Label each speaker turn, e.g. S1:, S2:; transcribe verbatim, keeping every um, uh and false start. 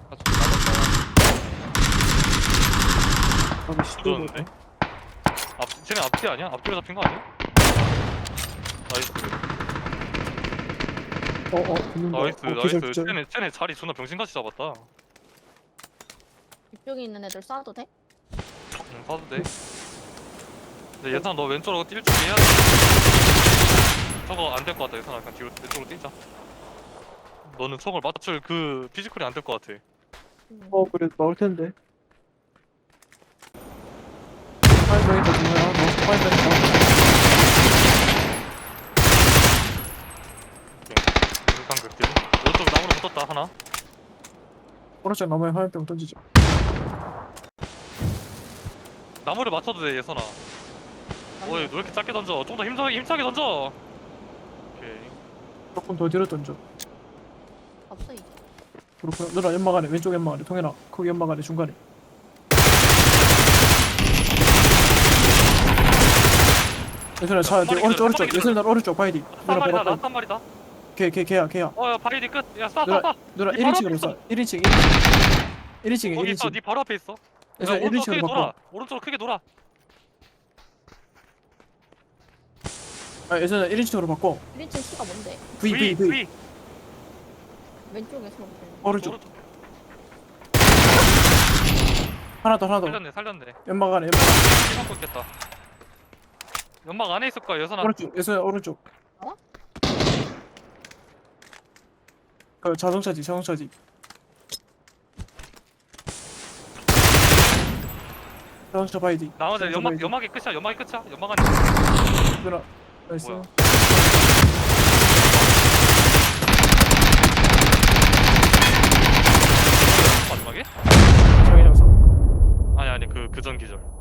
S1: 아, 좀 맞았다.
S2: 아니 씨
S1: 들었는데? 앞, 쟤네 앞뒤 아니야? 앞뒤로 잡힌 거 아니야? 나이스.
S2: 어어 붙는다.
S1: 나이스,
S2: 어, 기절
S1: 나이스.
S2: 기절.
S1: 쟤네, 쟤네 자리 존나 병신같이 잡았다.
S3: 이쪽에 있는 애들 쏴도 돼?
S1: 응, 봐도 돼. 근데 예산 너 왼쪽으로 뛸 준비해야 돼. 저거 안 될 것 같다, 예산아. 그냥 뒤로, 왼쪽으로 뛰자. 너는 총을 맞출 그 피지컬이 안 될 것 같아.
S3: 음.
S2: 어 그래 나올 텐데. 파이브에서 중요한 너 파이브에서
S1: 일단 극딜. 오른쪽 나무로 붙었다, 하나.
S2: 오른쪽 나무에 화염병 던지죠.
S1: 나무를 맞춰도 돼, 예선아. 어이, 너 왜 이렇게 작게 던져? 좀 더 힘차게, 힘차게 던져! 오케이.
S2: 조금 더 뒤로 던져.
S3: 없어 이제.
S2: 그렇구나. 누나 연막 안에 왼쪽 연막 안에 통해라. 거기 연막 안에 중간에. 예선아 차
S1: 한
S2: 뒤에
S1: 마리
S2: 오른쪽
S1: 기다려,
S2: 오른쪽.
S1: 한 마리
S2: 예선아 오른쪽 바이디.
S1: 한
S2: 누나
S1: 마리다,
S2: 바로
S1: 나한 마리다.
S2: 걔 걔 걔야 걔야.
S1: 어, 야, 바이디 끝. 야, 쏴,
S2: 누나
S1: 쏴, 쏴.
S2: 누나
S1: 니
S2: 일
S1: 바로
S2: 인칭으로
S1: 앞에
S2: 쏴. 일 인칭 일 인칭. 일 인칭에
S1: 거기
S2: 일
S1: 있어,
S2: 인칭.
S1: 니 바로 앞에 있어. 야,
S2: 예선아 일
S1: 오른쪽 크게
S2: 인칭으로
S1: 돌아.
S2: 바꿔.
S1: 오른쪽으로 크게 돌아.
S2: 아 예선아 일 인칭으로 바꿔.
S3: 일 인칭 키가 뭔데?
S2: V V V.
S3: 왼쪽에서 먹는
S2: 오른쪽. 하나 더 하나 더.
S1: 살렸네, 살렸네.
S2: 연막 안에 연막 안에.
S1: 피 맞고 있겠다. 연막 안에 있을 거야, 여선아.
S2: 오른쪽 예선아 오른쪽.
S3: 어?
S2: 그 자동차지 자동차지. 자동차 바이디.
S1: 나머지
S2: 자동차
S1: 연막,
S2: 바이디.
S1: 연막이 끝이야, 연막이 끝이야. 연막 안에.
S2: 누나 나이스.
S1: 뭐야? 마지막에?
S2: 장애 장사.
S1: 아니, 아니, 그, 그 전 기절.